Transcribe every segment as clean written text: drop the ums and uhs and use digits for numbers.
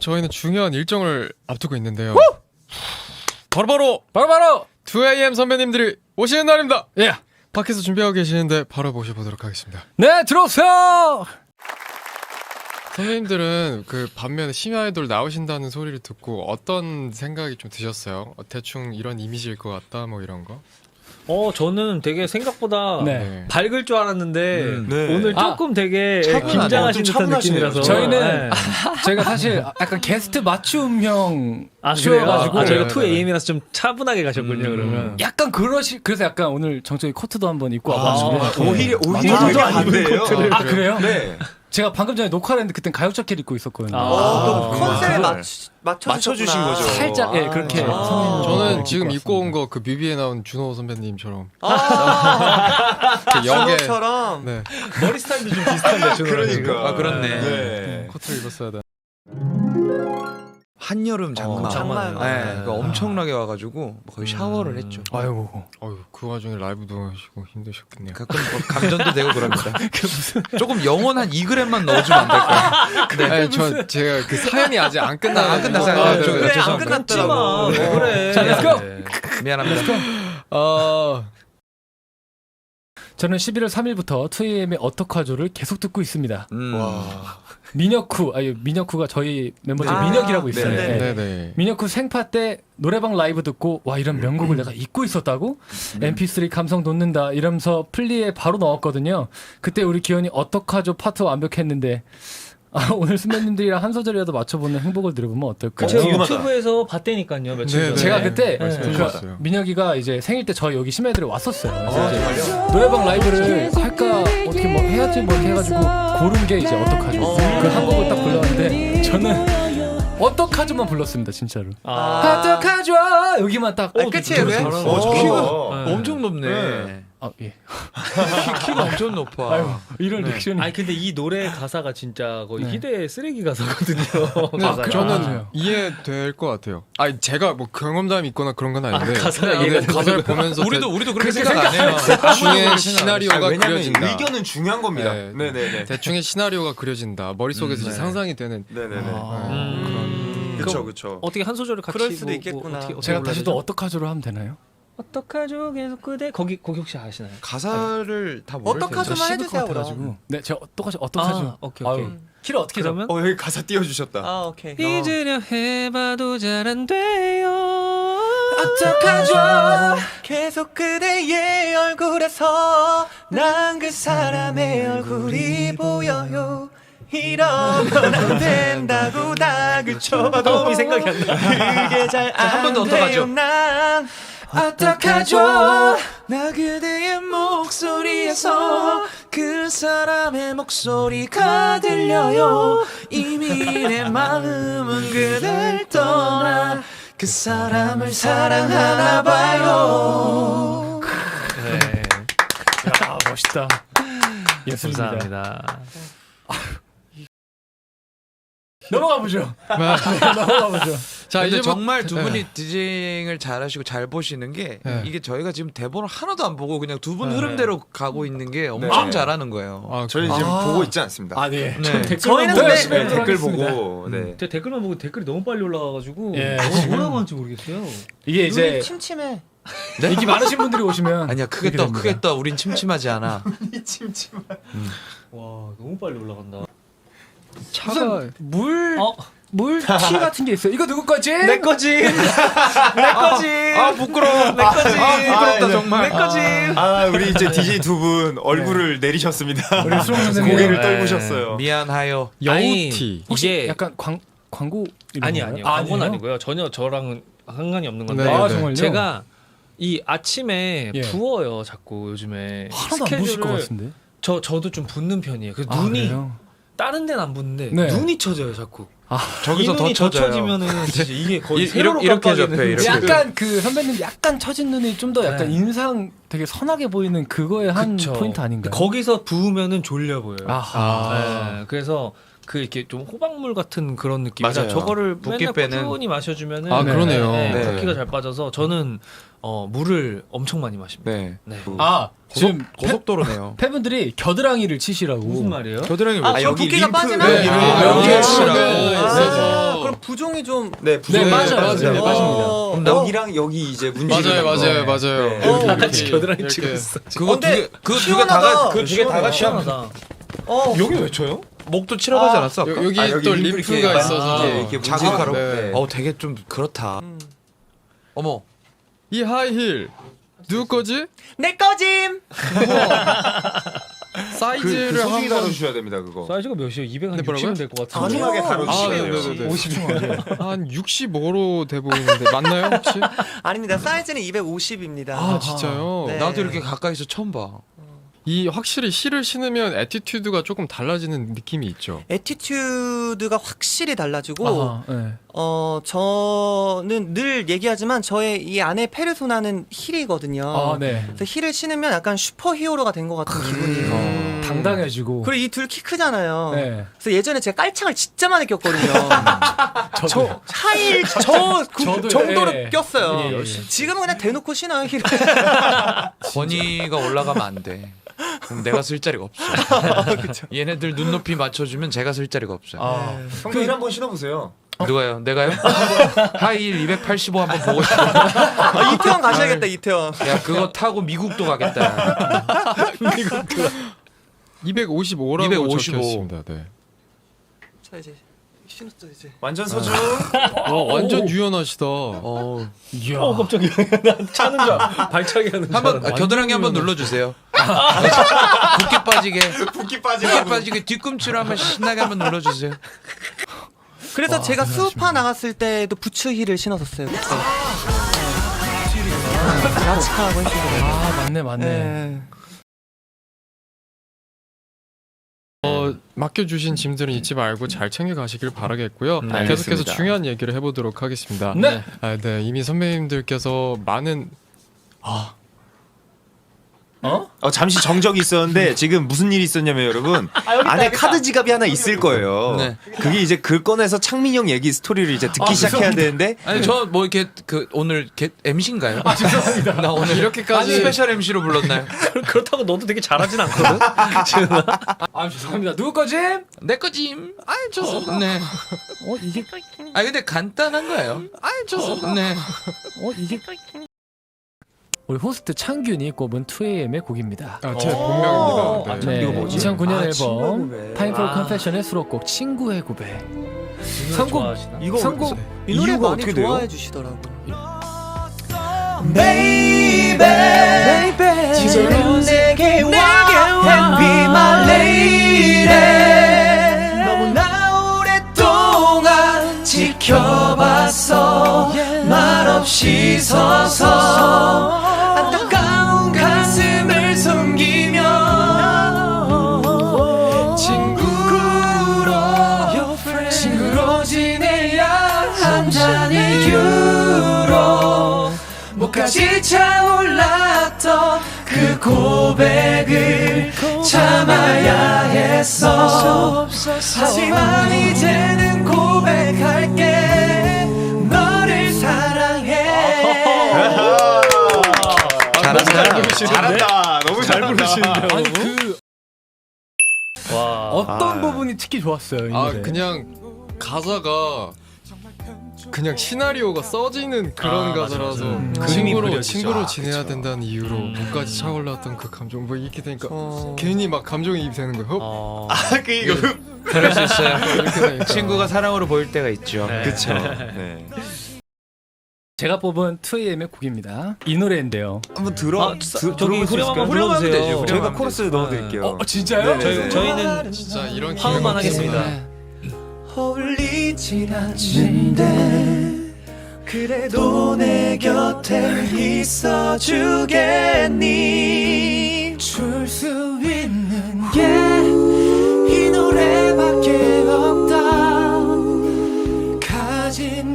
저희는 중요한 일정을 앞두고 있는데요. 바로 2AM 선배님들이 오시는 날입니다. 예. 밖에서 준비하고 계시는데 바로 모셔보도록 하겠습니다. 네, 들어오세요. 선배님들은 그 반면에 심야 아이돌 나오신다는 소리를 듣고 어떤 생각이 좀 드셨어요? 대충 이런 이미지일 것 같다 뭐 이런 거? 저는 되게 생각보다 네. 밝을 줄 알았는데 네. 오늘 조금 되게 차분하네. 긴장하신 좀 듯한 차분하시네요. 느낌이라서 저희는 네. 저희가 사실 약간 게스트 맞춤형 쇼여가지고 저희가 네, 2AM이라서 좀 차분하게 가셨군요. 음. 그러면 약간 그래서 약간 오늘 정적이 코트도 한번 입고 와가지고 오히려 맞아요. 되게 반대예요. 아 그래요? 네. 제가 방금 전에 녹화를 했는데 그땐 가요 자켓 입고 있었거든요. 또 컨셉에 그걸 맞춰주신 거죠. 살짝 예 그렇게 아. 성인 저는 입고 지금 입고 온 왔습니다. 거 그 뮤비에 나온 준호 선배님처럼 아, 그 역에 준호처럼. 네, 머리 스타일도 좀 비슷한데 준호랑 지금. 그러니까. 그렇네. 네. 코트를 입었어야 돼. 한여름 장마. 장마. 네, 그거 엄청나게 와가지고 거의 샤워를 했죠. 아이고 어휴, 그 와중에 라이브도 하시고 힘드셨겠네요. 가끔 뭐 감전도 되고 그럽니다. 조금 영원 한 2g만 넣어주면 안 될까요? 네, 아니, 제가 그 사연이 아직 안 끝나. 안 끝났어요. 아, 네, 저- 네. 그래 안 죄송합니다. 끝났더라고. 왜 그래? 자, let's go. 네. 미안합니다. 저는 11월 3일부터 2AM의 어떡하죠를 계속 듣고 있습니다. 와. 민혁쿠가 저희 멤버 중에 아, 민혁이라고 있어요. 네네. 네. 네네. 민혁쿠 생파 때 노래방 라이브 듣고 와 이런 명곡을 내가 잊고 있었다고? MP3 감성 돋는다 이러면서 플리에 바로 넣었거든요. 그때 우리 기현이 어떡하죠 파트 완벽했는데 오늘 선배님들이랑 한 소절이라도 맞춰보는 행복을 들어보면 어떨까요? 제가 궁금하다. 유튜브에서 봤다니까요 며칠 네, 전에. 제가 그때 네. 궁금했어요. 민혁이가 이제 생일 때 저희 여기 심야들에 왔었어요. 그래서 이제 노래방 라이브를 할까 어떻게 뭐 해야지 뭐 이렇게 해가지고 고른 게 이제 어떡하죠. 그 한 곡을 딱 불렀는데 저는 어떡하죠만 불렀습니다 진짜로. 어떡하죠 여기만 딱. 끝이에요, 왜? 저 키가 네. 엄청 높네. 네. 아 예. 키가 엄청 높아. 아유 이런 리액션이. 아니 근데 이 노래 가사가 진짜 거의 네. 희대의 쓰레기 가사거든요. 근데 가사가. 저는 맞아요. 이해될 것 같아요. 아니 제가 뭐 경험담이 있거나 그런 건 아닌데 가사가 근데 이해가 가사를 보면서 우리도 그렇게 그렇게 생각 안 해요. 대충의 시나리오가 왜냐면 그려진다. 의견은 중요한 겁니다. 네. 네네네. 대충의 시나리오가 그려진다. 머릿속에서 이제 네. 상상이 되는 네네네. 그런. 그쵸. 어떻게 한 소절을 같이 그럴 수도 뭐, 있겠구나. 어떻게 제가 다시 또 불러야 되죠? 어떡하죠로 하면 되나요? 어떡하죠 계속 그대 거기 혹시 아시나요? 가사를 다 모를 텐데. 어떡하죠? 좀 해주세요, 같아가지고. 네 제가 어떡하죠? 아, 오케이. 아유, 키를 어떻게 잡? 그러면 여기 가사 띄워주셨다. 아 오케이. 잊으려 해봐도 잘 안 돼요. 어떡하죠? 계속 그대의 얼굴에서 난 그 사람의 얼굴이 보여요. 이러면 안 된다고 닥을 쳐봐도 도움이 생각이 안 나. 그게 잘 한 번 더 안 어떡하죠? 돼요. 난 어떡하죠? 나 그대의 목소리에서 그 사람의 목소리가 들려요. 이미 내 마음은 그댈 떠나 그 사람을 사랑하나 봐요. 네. 아 멋있다. 예습니다. 감사합니다. 넘어가 보죠. 넘어가 보죠. 자 근데 이제 뭐- 정말 두 네. 분이 디제잉을 잘하시고 잘 보시는 게 네. 이게 저희가 지금 대본을 하나도 안 보고 그냥 두 분 네. 흐름대로 가고 있는 게 엄청 네. 잘하는 거예요. 아, 저희 지금 보고 있지 않습니다. 아 네. 네. 저희는 보고 근데- 열심히 네, 하도록 댓글 하겠습니다. 보고 네. 제가 댓글만 보고 댓글이 너무 빨리 올라가가지고 예. 뭐라고 하는지 모르겠어요. 이게 이제 눈이 침침해. 인기 많으신 분들이 오시면 아니야 크게 그렇게 떠 됩니다. 크게 떠 우린 침침하지 않아. 와 너무 빨리 올라간다. 차가 물티 같은 게 있어요. 이거 누구 거지? 내 거지. 내 거지. 아 부끄러워. 내 거지. 부끄럽다 정말. 내 거지. 아 우리 이제 DJ 두 분 얼굴을 내리셨습니다. 우리 수롱 선생님 고개를 네. 떨구셨어요. 미안하여. 여우티. 혹시 이게 약간 광고 이런 아니 건가요? 아니요. 아, 그건 아니에요? 아니고요. 전혀 저랑은 상관이 없는 건데. 네, 아 네. 정말요? 제가 이 아침에 예. 부어요 자꾸 요즘에 하나도 안 보실 것 같은데. 저도 좀 붓는 편이에요. 그 아, 눈이 그래요? 다른 데는 안 붓는데 네. 눈이 쳐져요 자꾸. 저기서 이 더 눈이 더 쳐져요. 쳐지면은 진짜 이게 거의 이- 세로로 이렇게 깜빡이는 접해, 이렇게. 약간 그 선배님 약간 처진 눈이 좀 더 약간 네. 인상 되게 선하게 보이는 그거의 한 그쵸. 포인트 아닌가요? 거기서 부으면은 졸려 보여요. 아하. 네, 그래서 그 이렇게 좀 호박물 같은 그런 느낌이라 맞아요. 저거를 붓기 맨날 빼는. 꾸준히 마셔주면은 아, 그러네요. 네, 네. 붓기가 잘 빠져서 저는 물을 엄청 많이 마십니다. 네. 네. 아 지금 고속도로네요. 팬분들이 겨드랑이를 치시라고. 무슨 말이에요? 겨드랑이 아, 왜? 여기 붓기가 빠지나? 네, 여기에 있어서. 그럼 부종이 좀 네, 네, 맞아요. 맞아요. 네, 맞습니다. 그럼 여기랑 여기 이제 문제. 맞아요. 어, 이렇게 겨드랑이 치고 있어. 그거 근데 두 개 다가 그 두 개 다가 시원하다. 여기 왜 쳐요? 목도 치라고 하지 않았어? 아까? 여기 아, 여기 또 림프 림프가 이렇게 있어서 이렇게 자극하러. 네. 되게 좀 그렇다. 어머. 이 하이힐 누구 거지? 내 거짐. 사이즈를 그 소중히 한번 다뤄주셔야 됩니다 그거. 사이즈가 몇이에요? 200 한 네, 뭐라고요? 60은 될 것 같은데. 소중하게 아, 다뤄주시면 돼요. 네네네. 50중 한 65로 돼 보이는데 맞나요 혹시? 아닙니다. 사이즈는 250입니다. 아 진짜요? 네. 나도 이렇게 가까이서 처음 봐. 이 확실히 힐을 신으면 애티튜드가 조금 달라지는 느낌이 있죠. 애티튜드가 확실히 달라지고 아하, 네. 저는 늘 얘기하지만 저의 이 안에 페르소나는 힐이거든요. 아, 네. 그래서 힐을 신으면 약간 슈퍼히어로가 된 것 같은 기분이에요. 당당해지고. 그리고 이 둘 키 크잖아요. 네. 그래서 예전에 제가 깔창을 진짜 많이 꼈거든요. 저도. 하일 저도요. 정도로 예. 꼈어요. 예, 예. 지금은 그냥 대놓고 신어요 힐을. 권위가 올라가면 안 돼. 그럼 내가 쓸 자리가 없어. 얘네들 눈높이 맞춰주면 제가 쓸 자리가 없어요. 아, 형도 힐 한번 신어보세요. 누가요? 내가요? 하이힐 285 한번 보고 싶어. 아, 이태원 가셔야겠다 이태원. 야 그거 타고 미국도 가겠다. 255라고 255. 적혀 있습니다. 네. 자 이제 신었죠 이제. 완전 소중. 완전 유연하시다. 이야. 깜짝이야. 난 차는 줄 발차기 하는 줄 한번 알았네. 겨드랑이 한번 눌러주세요. 붓기 빠지게. 붓기 붓기 빠지게 뒤꿈치로 한번 신나게 한번 눌러주세요. 그래서 제가 수우파 나갔을 때도 부츠 힐을 신었었어요. 그때. 라치카라고 했었거든요. 아, 맞네. 네. 맡겨주신 짐들은 잊지 말고 잘 챙겨가시길 바라겠고요. 알겠습니다. 계속해서 중요한 얘기를 해보도록 하겠습니다. 네. 네. 이미 선배님들께서 많은 잠시 정적이 있었는데 지금 무슨 일이 있었냐면 여러분 안에 카드 지갑이 하나 있을 거예요. 네. 그게 이제 그 꺼내서 창민형 얘기 스토리를 이제 듣기 시작해야 되는데 아니 저 뭐 이렇게 그 오늘 MC인가요? 아 죄송합니다. 나 오늘 이렇게까지 스페셜 MC로 불렀나요? 그렇다고 너도 되게 잘하진 않거든. 아, 죄송합니다. 누구 거지? 내 거짐. 아이 저. 네. 이게 아 근데 간단한 거예요. 아이 저. 네. 이게 우리 호스트 창균이 꼽은 2AM의 곡입니다. 제 본명입니다. 네. 네, 이거 뭐지? 2009년 앨범 친구의 고백. Time for Confession의 수록곡 친구의 고백. 선곡 좋아하시나? 이거 선곡 이 노래 이유가 많이 어떻게 돼요? 좋아해 주시더라고요. Baby, 지금 내게 와, be my lady. 너무나 오랫동안 지켜봤어, 말없이 서서 안타까운 가슴을 숨기며 친구로 지내야 한 잔의 이유로 목까지 차올랐던 그 고백을 참아야 했어. 하지만 이제는 고백할게, 너를 사랑해. 잘한다. 너무 잘 부르시는데요. 아니 그 와. 어떤 부분이 특히 좋았어요, 이 노래. 그냥 가사가 그냥 시나리오가 써지는 그런 가사라서 그림이 그려지죠. 친구로 지내야 된다는 이유로 목까지 차올랐던 그 감정 뭐 이렇게 되니까 괜히 막 감정이입이 되는 거예요. 그럴 수 있어요. 이렇게 되니까. 친구가 사랑으로 보일 때가 있죠. 그쵸. 네. 제가 뽑은 2AM의 곡입니다. 이 노래인데요. 한번 들어. 저기 후렴 한번 불러주세요. 되죠. 후렴 저희가 하면 코러스 넣어드릴게요. 진짜요? 네네. 저희는 진짜 이런 화음만 기회가 하겠습니다. 어울리진 않는데 그래도 내 곁에 있어주겠니? 줄 수 있는 게 이 노래밖에 없다. 가진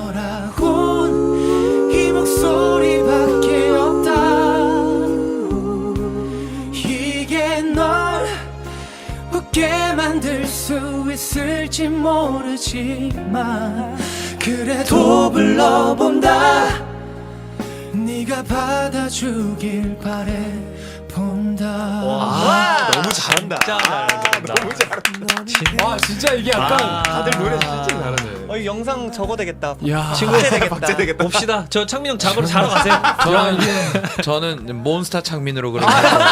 거라곤 이 목소리밖에 없다. 이게 널 쉽게 만들 수 있을지 모르지만 그래도 불러본다. 네가 받아주길 바래 본다. 너무 잘한다. 너무 잘한다. 와 진짜 이게 약간 다들 노래 진짜 잘하네. 이 영상 적어 되겠다. 야 박제 되겠다. 봅시다. 저 창민 형 잡으러 자러 가세요. 저는 몬스타 창민으로 그러면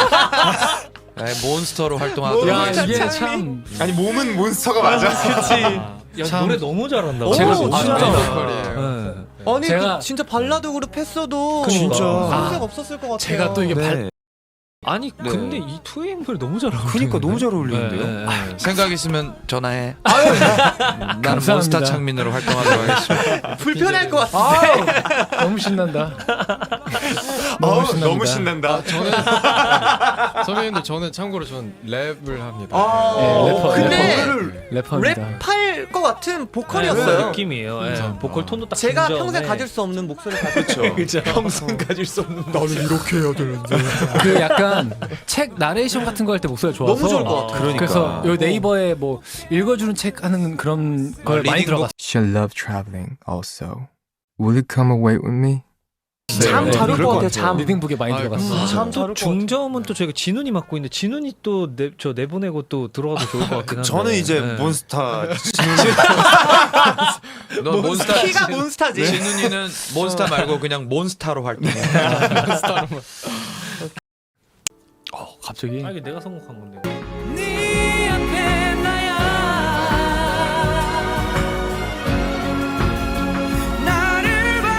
몬스터로 활동하고 야 이게 참 아니 몸은 몬스터가 맞아. 야, 참- 노래 너무 잘한다. 제가 진짜. 진짜 보컬이에요. 아니 제가- 그 진짜 발라드 그룹 했어도 진짜. 손색 없었을 것 같아요. 제가 또 이게 발 아니 근데 이 2AM 노래 너무 잘하고. 그러니까 너무 잘 어울리는데요. 생각 있으면 전화해. 나는 감사합니다. 몬스타 창민으로 활동하도록 하겠습니다. 불편할 것 같은데. 너무 신난다. 너무 신난다. 선배님들 저는 참고로 전 랩을 합니다. 근데 래퍼입니다. 랩할 것 같은 그런 보컬이었어요. 느낌이에요. 예. 감사합니다. 보컬 톤도 딱 제가 진정해. 평생 가질 수 없는 목소리 가지고 그렇죠. 평생 가질 수 없는. 나는 이렇게 해야 되는데. 그 약간 책 나레이션 같은 거 할 때 목소리가 좋아서 너무 좋을 것 같아요. 그러니까. 그래서 요 네이버에 뭐 읽어주는 책 하는 그런 걸 많이 리딩북. 들어갔어요. She'll love traveling also. Will you come away with me? 잠 잘 올 그럴 것 것 같아요. 같아요. 잠. 리딩북에 많이 아, 들어갔어. 잠 잘 올 것 같아요. 중저음은 또 저희가 진훈이 맡고 있는데 진훈이 또 저 내보내고 또 들어가도 좋을 것 같긴 한데. 저는 이제 네. 몬스타. 너 몬스타 키가 몬스타지. 진훈이는 몬스타 말고 그냥 몬스타로 활동해. 갑자기 아 이게 내가 선곡한 건데. 네 앞에 나야 나를 봐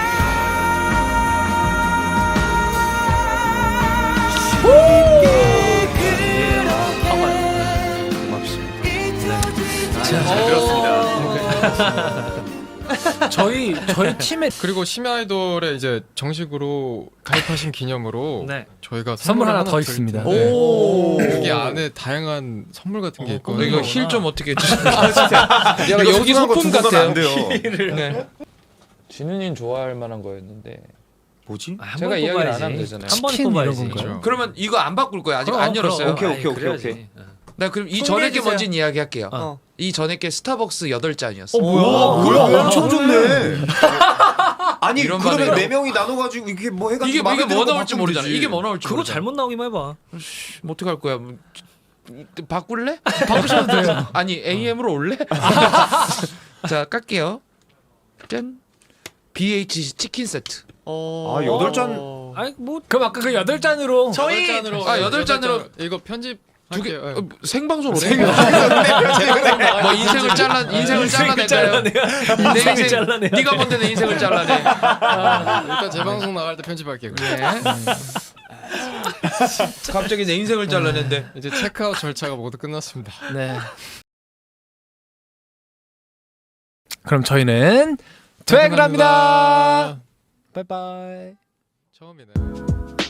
저희 팀에 그리고 심야 아이돌에 이제 정식으로 가입하신 기념으로 네. 저희가 선물 하나 더 드릴 있습니다. 텐데 오. 여기 안에 다양한 선물 같은 게 있거든요. 이거 힐 좀 어떻게 해주세요? 약간 여기 소품 같아요. 안 돼요. 네. 진훈이는 좋아할 만한 거였는데. 뭐지? 아, 제가 이야기를 안 하면 되잖아요. 한 번에 치킨 이런 뽑아야지. 건가요? 그렇죠. 그러면 이거 안 바꿀 거예요. 아직 안 열었어요. 오케이, 아이, 오케이, 그래야지. 오케이. 나 그럼 이 전에 게 소개해주세요. 뭔지 이야기할게요. 어. 이 전에 게 스타벅스 8잔이었어. 뭐야? 엄청 좋네. 아니 이런 그러면 반응이라고? 네 명이 나눠가지고 이게 뭐 해가지고 이게 마음에 뭐 드는 거 나올지 바꾸면 모르잖아. 되지. 이게 뭐 나올지 그거 모르잖아. 잘못 나오기만 해봐. 뭐 어떡할 거야? 뭐, 바꿀래? 바꾸셔도 돼요. 아니 AM으로 올래? 자 깔게요. 짠. BH 치킨 세트. 아 8잔. 아니 뭐 그럼 아까 그 8잔으로 저희 8잔으로 이거 편집 두 개 할게요. 생방송으로 해. 뭐 인생을 잘라낼까요? 내 인생 잘라내야 네가 뭔데 내 인생을 잘라내. 일단 재방송 나갈 때 편집할게요. 네. 갑자기 내 인생을 잘라낸대. 이제 체크아웃 절차가 모두 끝났습니다. 네. 그럼 저희는 퇴근합니다. 바이바이. 처음이네.